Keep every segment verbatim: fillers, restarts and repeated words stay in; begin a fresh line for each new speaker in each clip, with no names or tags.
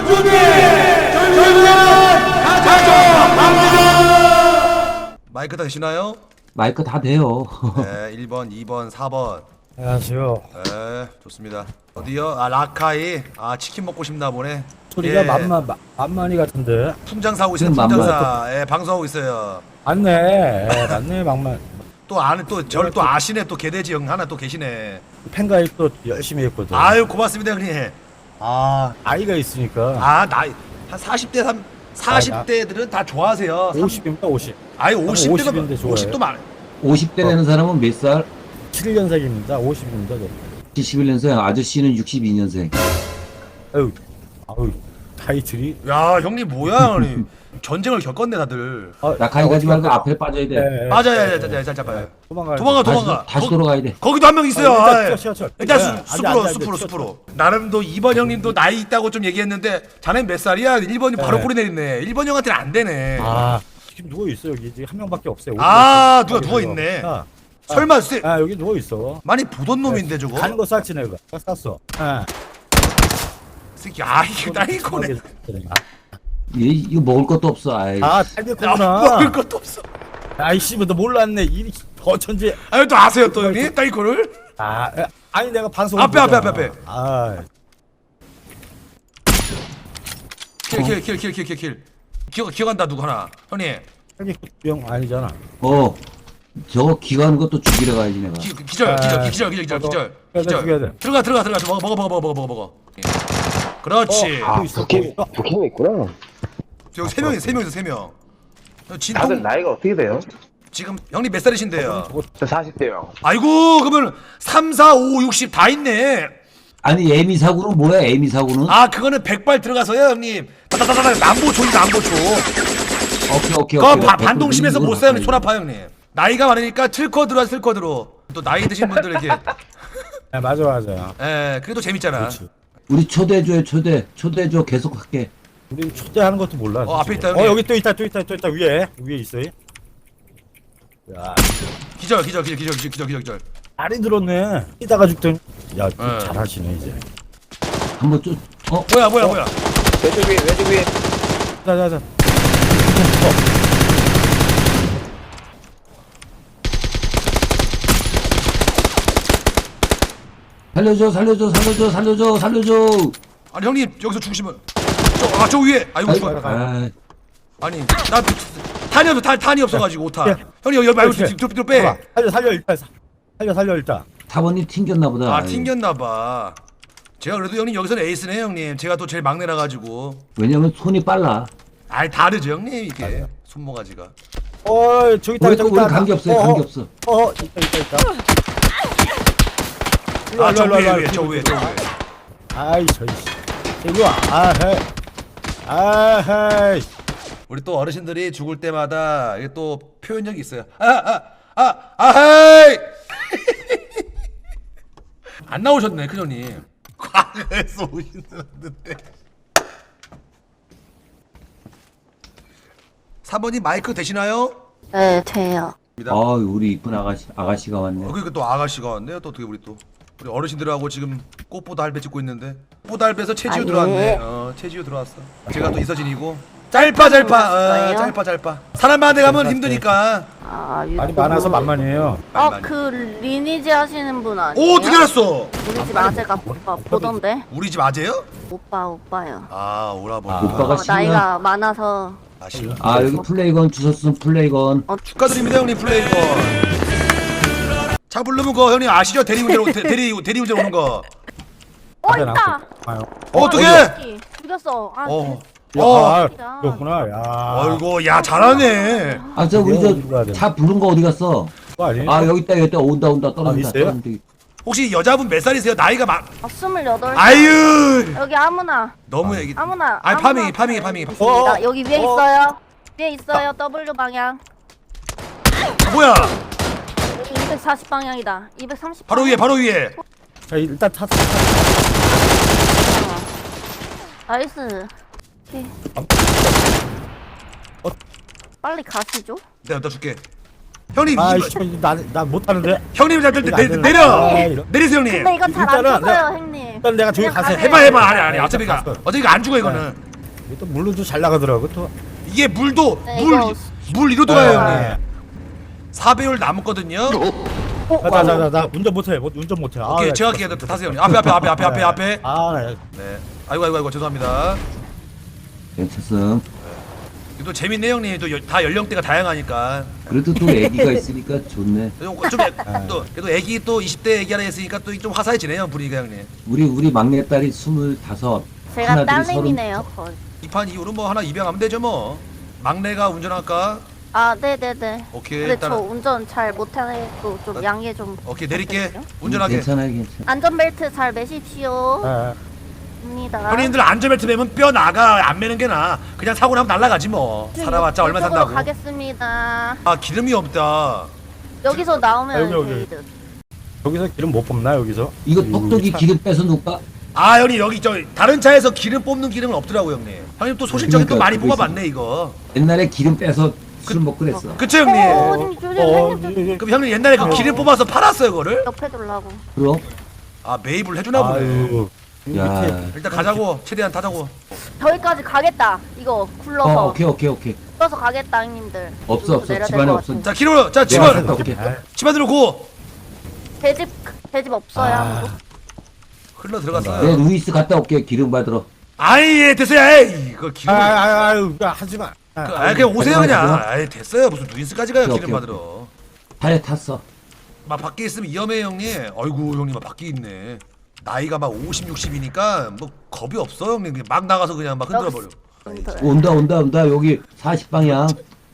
준비! 저희는 가져갑니다! 마이크 다 되시나요?
마이크 다 돼요.
네, 일 번, 이 번, 사 번.
안녕하세요.
네, 좋습니다. 어디요? 아, 라카이. 아, 치킨 먹고 싶나 보네.
소리가
예.
만만 마- 만만이 같은데.
풍장사하고 있어요,
지금
풍장사. 예, 방송하고 있어요.
맞네. 예, 맞네 만만.
또 아는 또 저를 또 아시네. 또 개돼지 형 하나 또 계시네.
팬가입 또 열심히 했거든.
아유, 고맙습니다, 형님. 아,
아이가 있으니까.
아, 나이 한 사십 대 삼 사십 대들은 다 좋아하세요.
오십입니다 오십.
아니, 오십 대가
오십인데 좋아해요.
오십도 많아.
오십 대 되는 사람은 몇 살?
칠 년생입니다. 오십입니다. 저.
칠십일 년생, 아저씨는 육십이 년생.
아유, 아유, 타이틀이.
야, 형님 뭐야, 형님. 전쟁을 겪었네, 다들.
아,
낙하이 가지 말고 앞에 빠져야 돼.
예, 예.
맞아, 야, 야, 야, 자, 잡아요.
도망가.
도망가,
다시,
도망가.
다시
거-
돌아가야 돼.
거기도 한 명 있어요.
아, 일단
아,
뛰어, 뛰어, 뛰어.
일단
예,
수,
안 돼,
숲으로,
안 돼, 안 돼.
숲으로,
뛰어,
숲으로. 나름도 이 번 형님도 나이 있다고 좀 얘기했는데, 자넨 몇 살이야? 일 번이 바로
네.
꼬리 내리네. 일 번 형한테는 안 되네.
아, 지금 누워 있어 여기 지금 한 명밖에 없어요.
아,
오십 명.
누가 누워 있네.
아,
설마, 쎄,
아 여기 누워 있어.
많이 보던 놈인데, 저거?
가는 거 쌌지 내가. 쌌어. 아.
새끼, 아, 이게 딸기코네.
얘 이거 먹을 것도 없어. 아이.
아,
아,
딸기코구나.
먹을 것도 없어.
아이씨, 뭐 너 몰랐네. 이 어쩐지.
아유, 또 아세요, 또 형님? 딸기코를?
아, 아, 아니 내가 방송.
앞에, 앞에, 앞에, 앞에.
아,
킬, 킬, 킬, 킬, 킬, 킬, 킬. 기억, 기억한다, 누구 하나. 형님,
딸기병 아니잖아.
어. 저거 기가는 것도 죽이러 가야지 내가.
기, 기절,
아,
기절, 기절, 기절, 기절,
저거
기절.
빨리 죽여야 돼.
들어가, 들어가, 들어가. 먹어, 먹어, 먹어, 먹어, 먹어, 먹어. 예. 그렇지.
어, 또 있어.
북캠,
또 있어.
북캠이 있구나.
여기 세 명이 세 명이서 세 명. 진통
다들 나이가 어떻게 돼요?
지금 형님 몇 살이신데요?
저거
저 사십 대요.
아이고 그러면 삼, 사, 오, 육십 다 있네.
아니 에미 사고는 뭐야? 에미 사고는?
아 그거는 백발 들어가서요 형님. 다다다다 남보초이 남보초.
오케이 오케이
그거
오케이.
바- 반동심에서 못 사요 형님.
촌
촌아파 형님. 나이가 많으니까 틀커 들어와 틀커드로. 또 나이 드신 분들 이렇게.
아, 맞아 맞아.
에 그게 또 재밌잖아.
그렇지.
우리 초대줘요 초대. 초대줘 계속 할게.
우리 초대하는 것도 몰라.
어, 앞에 있다,
어
형님.
여기 또 있다 또 있다 또 있다 위에 위에 있어요. 야,
기절 기절 기절 기절 기절 기절 기절.
알이 들었네. 뛰다가 죽더니. 야, 좀
네.
잘하시네 이제.
한번 좀 어?
뭐야 뭐야 뭐야.
왼쪽 위에, 왼쪽 위에.
자자자.
살려줘 살려줘 살려줘 살려줘 살려줘.
아니 형님 여기서 죽으시면 저아저 위에 아이고
아이,
죽어.
아,
아니 나 탄이 없어 탄 탄이 없어가지고 오타.
야.
형님 여기 말고
그렇지.
뒤로 뒤로 빼.
봐봐. 살려 살려 일단 사- 살려 살려 일단.
사번님 튕겼나 보다.
아 튕겼나봐. 제가 그래도 형님 여기서는 에이스네 형님. 제가 또 제일 막내라 가지고.
왜냐면 손이 빨라.
아이 다르죠 형님 이게 손모가지가.
어 저기 있다
우리
저기
우리
있다.
관계 없어요.
어,
관계
어,
없어.
어 있다 있다 있다. 일로 와,
아저
일로 와, 일로 와,
위에 위에 저
일로 와.
위에 저 위에.
아이 저기. 일로 와. 아헤. 아헤.
우리 또 어르신들이 죽을 때마다 이게 또 표현력이 있어요. 아아아 아헤이. 안 나오셨네 큰 형님. 과거에서 오시는데. 삼 번님 마이크 되시나요?
네, 돼요.
아 우리 이쁜 아가씨 아가씨가 왔네.
어, 그러니까 또 아가씨가 왔네요. 또 어떻게 우리 또 우리 어르신들하고 지금 꽃보다 할배 찍고 있는데 꽃보다 할배에서 최지우
아,
들어왔네.
예.
어, 최지우 들어왔어. 제가 또 이서진이고 짧아 짧아 어,
그런가요?
짧아 짧아. 사람 많은 데 가면 힘드니까.
아,
말이 많아서 만만해요.
많이,
어,
많이.
그 리니지 하시는 분 아니에요?
오 어떻게 알았어?
우리 집 아재가 오빠 보던데?
우리 집 아재요?
오빠, 오빠요.
아 오라버니.
아.
오빠가
어,
싫나?
나이가 많아서.
아 싫어.
아 여기 플레이건 주셨으면 플레이건.
어,
축하드립니다 형님 플레이건. 차 부르면 거 형님 아시죠? 대리운전 오- 대- 대리 대리운전 오는 거.
어,
앞에
있다!
나왔어. 아유.
어, 어떻게?
어디? 죽였어. 아,
어.
그-
야,
어.
아, 그렇구나. 야.
아이고 야 잘하네.
아 저 우리 저 차 부른 거 어디 갔어?
그거 아니에요?
아 여기 있다 여기 있다 온다 온다 떨어진다.
아, 있어요?
떨어진다.
혹시 여자분 몇 살이세요? 나이가 막
아, 스물여덟.
아유
여기 아무나.
너무 얘기.
아무나.
아니
아무나
파밍이 파밍이 파밍이.
있습니다.
어, 어.
여기 위에
어.
있어요. 위에 있어요. W 방향.
뭐야?
여기 이백사십 방향이다. 이백삼십.
바로 위에 바로 위에.
자, 일단 탔어.
나이스. 네.
어.
빨리 가시죠.
내가 나 줄게. 형님
아,
이-
씨, 나나 못 타는데.
형님 자 내,
이거
내,
안 되나?
내려
아, 이런.
내리세요 형님.
근데 이거 잘 안
일단은
터져요, 형님.
일단 내가 저기
그냥
가서
가세요.
해봐 해봐 아니 아니 어차피 이거
갔어.
어차피 이거 안 죽어 이거는.
이게 또 물로 좀 잘 나가더라고 또.
이게 물도
네, 이거-
물물 이로 돌아요
네.
형님. 사 배율 남았거든요.
어,
자자자 나 운전 못해 못 운전 못해. 아,
오케이
나
제가
진짜.
할게요. 타세요 형님. 앞에 앞에 앞에 앞에 앞에 앞에.
아, 나
네. 아이고 아이고 아이고 죄송합니다.
괜찮음.
이거 또 재밌네 형님. 또 다 연령대가 다양하니까.
그래도 또 애기가 있으니까 좋네.
좀 또 그래도 애기 또 이십 대 애기 하나 있으니까 또 좀 화사해지네요 분위기가 형님.
우리 우리 막내딸이 스물다섯.
제가
하나들이
딸내미네요. 거의.
이 판 이후로 뭐 하나 입양하면 되죠 뭐. 막내가 운전할까?
아, 네네네.
오케이
근데
일단은
저 운전 잘 못해서 좀 양해 좀.
오케이 내릴게.
부탁드려요.
운전하게.
괜찮아요, 괜찮아.
안전벨트 잘 매십시오.
아,
입니다.
형님들 안전벨트 매면 뼈 나가 안 매는 게 나아. 그냥 사고 나면 날라가지 뭐. 살아봤자 얼마
이쪽으로
산다고.
가겠습니다.
아 기름이 없다.
여기서 나오면
여기, 여기.
게이드.
여기서 기름 못 뽑나 여기서?
이거
이
똑똑이
차-
기름 빼서 놓을까?
아 형님 여기 저 다른 차에서 기름 뽑는 기름은 없더라고 형님. 형님 또 소식적인 또
그러니까
많이
그거
뽑아봤네 이거.
옛날에 기름 빼서 술 먹고 그랬어.
그쵸
어,
형님?
어머님 조심
어,
해줘.
예, 예.
그럼 형님 옛날에 그 기름 뽑아서 팔았어요 그거를?
옆에 둘라고.
그럼?
아 매입을 해주나 보네.
아유.
야.
밑에
일단 가자고 최대한 타자고.
저기까지 가겠다. 이거
어,
굴러서.
오케이, 오케이, 오케이.
굴러서 가겠다 형님들.
없어,
여기서
없어.
내려야
집안에
될것
없어.
같은데.
자 기름 자
야,
집안
됐다, 오케이.
아,
집안으로 고.
대집 대집 없어요.
아.
아무도?
흘러
내
들어갔어요.
루이스 갔다 올게, 기름 받으러.
아이 예, 됐어요. 에이 이거 기름.
아,
아,
아, 아유, 야, 하지 마. 아,
아 그냥 오세요
잠깐만,
그냥.
잠깐만.
아이 됐어요 무슨 누인스까지 가요
오케이,
기름
오케이,
받으러.
타에 탔어.
막 밖에 있으면 위험해 형님. 아이고 형님 막 밖에 있네. 나이가 막 오십, 육십이니까 뭐 겁이 없어 형님. 그냥 막 나가서 그냥 막 흔들어 버려.
형님들.
온다, 온다, 온다. 여기 사십 방향.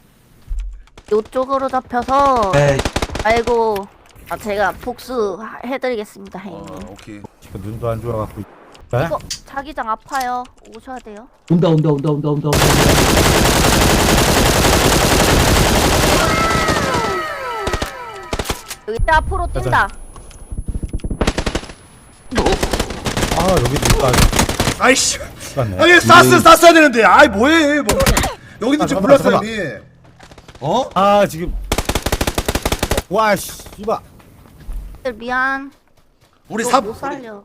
요쪽으로 잡혀서.
에이,
아이고. 아 제가 복수 해드리겠습니다
어
형님.
오케이.
지금 눈도 안 좋아갖고. 네?
이거 자기장 아파요. 오셔야 돼요.
온다, 온다, 온다, 온다, 온다, 온다.
여기 때 앞으로 뛴다.
아, 여기 눈도 안
아이씨.
좋았네.
아니 쌌어 쌌어야 되는데. 아이 뭐해 뭐. 여기도
아,
지금
잠깐만,
불렀어요
잠깐만.
형님. 어?
아, 지금. 와, 씨, 이봐.
미안.
우리
너
사.
못 살려.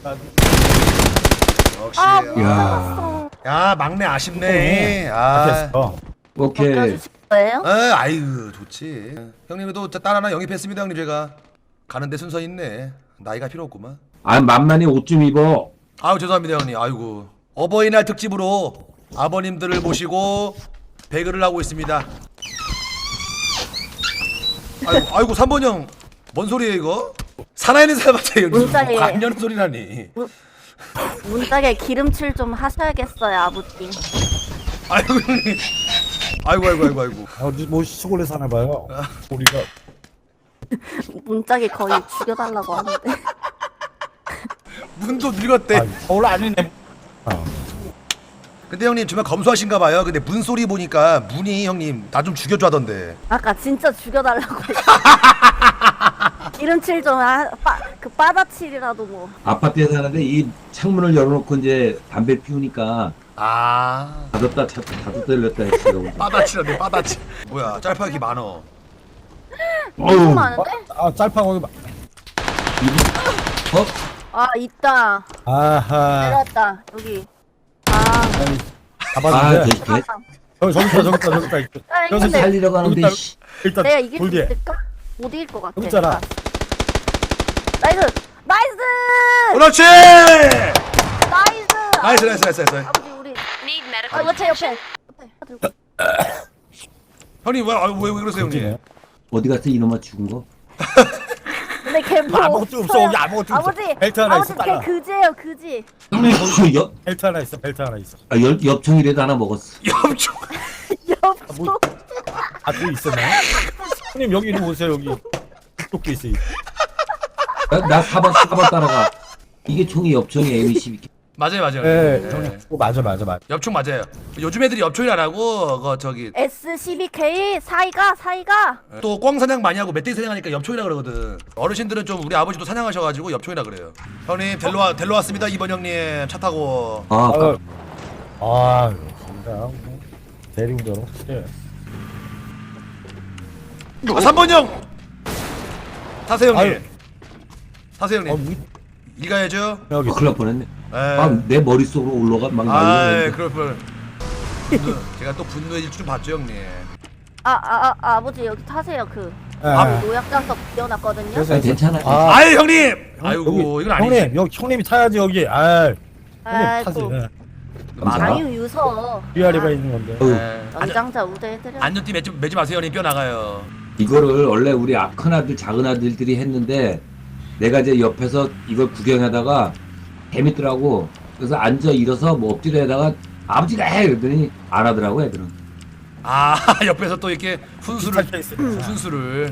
역시.
아, 못
야.
살았어.
야 막내 아쉽네. 아.
어.
오케이.
벗겨주실 거예요?
아, 아이고 좋지. 형님도 딸 하나 영입했습니다 형님 제가. 가는데 순서 있네. 나이가 필요 없구만.
아, 만만히 옷 좀 입어.
아유 죄송합니다 형님. 아이고 어버이날 특집으로 아버님들을 모시고 배그를 하고 있습니다. 아이고 아이고 삼 번 형. 뭔 소리예요 이거? 살아있는 사람한테 형님
문자에-
관련 소리라니.
문짝에 기름칠 좀 하셔야겠어요 아버님.
아이고 형님. 아이고 아이고 아이고 아이고.
어디 뭐 시골에 사나 봐요. 우리가
문짝에 거의 죽여달라고 하는데.
문도 늙었대.
아, 서울 아니네. 어.
근데 형님 정말 검소하신가 봐요. 근데 문 소리 보니까 문이 형님 나 좀 죽여줘 하던데.
아까 진짜 죽여달라고 했어. 기름칠 좀 하, 빠, 그 빠다칠이라도 뭐.
아파트에 사는데 이 창문을 열어놓고 이제 담배 피우니까
아
닫았다 닫- 닫았다 열렸다 했어.
빠다치라네 빠다치. 뭐야 짤파기 많어.
너무
어우,
많은데?
아, 짤파고.
어?
아 있다.
아하.
내렸다 여기. 아.
아니,
아,
잡았는데.
개, 개,
어, 저기 있다, 저기 있다, 저기 있다.
아,
여기서
근데
살리러 가는데,
일단-
씨.
일단
내가 이길 수
돌 뒤에.
있을까? 못 이길 것 같아.
여기 있잖아.
나이스! 나이스!
그렇지.
나이스!
나이스 나이스 나이스 나이스.
아버지 우리 아 이거 제 옆에 옆에 들고.
형님 왜왜 왜, 왜 그러세요 형님?
그렇지네.
어디 갔어 이놈아 죽은 거?
근데 걔 뭐
아무것도 없어, 여기 아무것도 없어.
아버지
벨트 하나
아버지
있어,
걔
빨라.
그지예요 그지.
옆,
벨트 하나 있어, 벨트 하나 있어.
아, 열, 엽총이라도 하나 먹었어.
엽총.
엽소.
뭐- 아, 또 있었나? 형님, 여기 이리 오세요, 여기. 토끼 있어.
나, 나 사 번, 사 번 따라가. 이게 총이 엽총이 엠 이십이.
맞아요 맞아요.
예,
네.
형님. 어, 맞아, 맞아, 맞아.
엽총 맞아요. 요즘 애들이 엽총이 안 하고 그 저기
에스 십이 케이 사이가 사이가.
또 꽝 사냥 많이 하고 멧돼지 사냥하니까 엽총이라 그러거든. 어르신들은 좀 우리 아버지도 사냥하셔가지고 엽총이라 그래요. 형님 델로 와 델로 왔습니다 이번 형님 차 타고.
아,
아,
아까
아, 진짜. 대리운전 확실해.
아, 삼 번 형. 타세요 형님.
아유.
타세요
아,
형님.
위,
일 가야죠.
여기
어, 큰일 날 뻔했네.
에.
막 내 머릿속으로 올라가 막
아,
날리는데.
그럴 뻔. 분노, 제가 또 분노의 줄 봤죠, 형님.
아, 아, 아, 아버지 여기 타세요. 그
아,
노약자석 비워놨거든요.
그래서
아니, 괜찮아.
아,
아이, 형님. 아이고,
여기,
이건 아니지.
형님 여기 형님이 타야지 여기. 아, 형님 타지.
아이고.
예.
감사.
아유 유서.
위아래가 있는 건데.
어휴,
에. 안-
연장자 우대해드려.
안전띠 매지, 매지 마세요, 형님. 뼈 나가요.
이거를 원래 우리 아- 큰 아들, 작은 아들들이 했는데 내가 이제 옆에서 이걸 구경하다가 재밌더라고. 그래서 앉아 일어서 뭐 엎드려다가 아버지가 해 그랬더니 안 하더라고 애들은.
아, 옆에서 또 이렇게 훈수를,
비슷한 케이스네.
훈수를.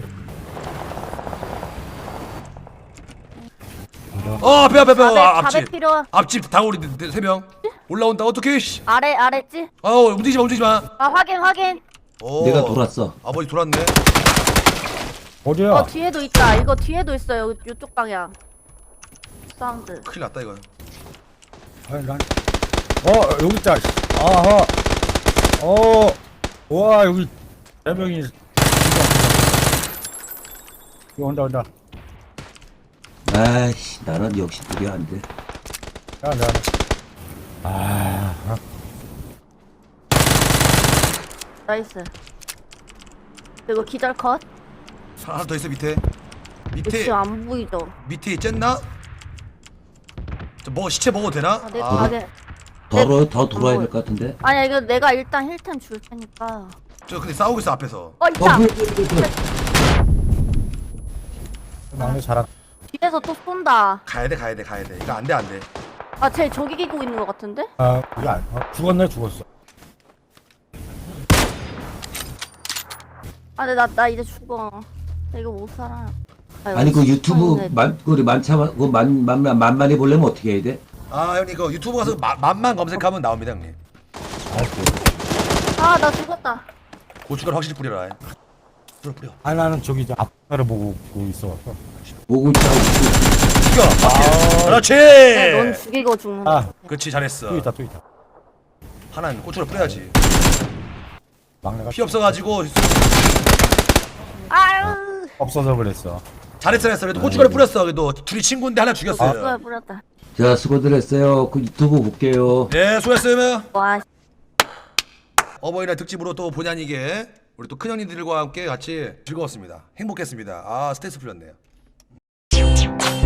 어, 앞에, 앞에, 앞에. 아,
자백,
앞집.
자백 필요.
앞집 다우리 세 명. 올라온다. 어떡해, 씨.
아래 아래지.
어, 움직이지 마, 움직이지 마.
아 확인 확인.
오.
내가 돌았어.
아버지 돌았네.
어디야?
어 뒤에도 있다. 이거 뒤에도 있어요. 이쪽 방향. 사운드.
큰일 났다, 이거.
아니, 난... 어 여기 있다. 아하. 어. 와 여기 네 명이. 이거 온다 온다.
아이씨 나는 역시 그게 안 돼.
야, 야. 아.
나이스. 그리고 기절 컷.
하나 더 있어, 밑에. 밑에,
지금 안 보이죠?
밑에 쨌나? 저 뭐, 시체 먹어도 되나?
아, 내
아,
가게.
더, 더 돌아야 될 것 같은데.
아니야 이거 내가 일단 힐템 줄 테니까.
저 근데 싸우고 있어, 앞에서.
어
어,
있다.
뭐야, 뭐야, 뭐야.
막내 잘한.
뒤에서 또 쏜다.
가야 돼, 가야 돼, 가야 돼. 이거 안 돼, 안 돼.
아 쟤 저기 기고 있는 것 같은데?
아, 이게 안. 어, 죽었네 죽었어.
아 근데 나, 나 이제 죽어. 나 이거 못 살아. 아,
아니 그 유튜브
시청자들.
만 그 우리 만차 그만만 만만히 보려면 어떻게 해야 돼?
아, 형님, 그 유튜브 가서 마, 맛만 검색하면 나옵니다, 형님.
아, 나 죽었다.
고춧가루 확실히 뿌려라. 뿌려, 뿌려.
아 나는 저기 이제 앞을 보고 보고 있어.
목을 짜고
죽여! 아, 그렇지!
야, 넌 죽이고 죽는다.
아,
그렇지, 잘했어.
또 있다 또 있다.
하나는 고춧가루 뿌려야지.
막내가
피 없어가지고
아유.
없어서 그랬어.
잘했어, 잘했어. 그래도 고춧가루 뿌렸어. 그래도 둘이 친구인데 하나 죽였어요.
뿌려 뿌렸다.
자 수고들 했어요. 그 유튜브 볼게요.
네, 수고했어요.
와.
어버이날 특집으로 또 본의 아니게 우리 또 큰형님들과 함께 같이 즐거웠습니다. 행복했습니다. 아, 스트레스 풀렸네요.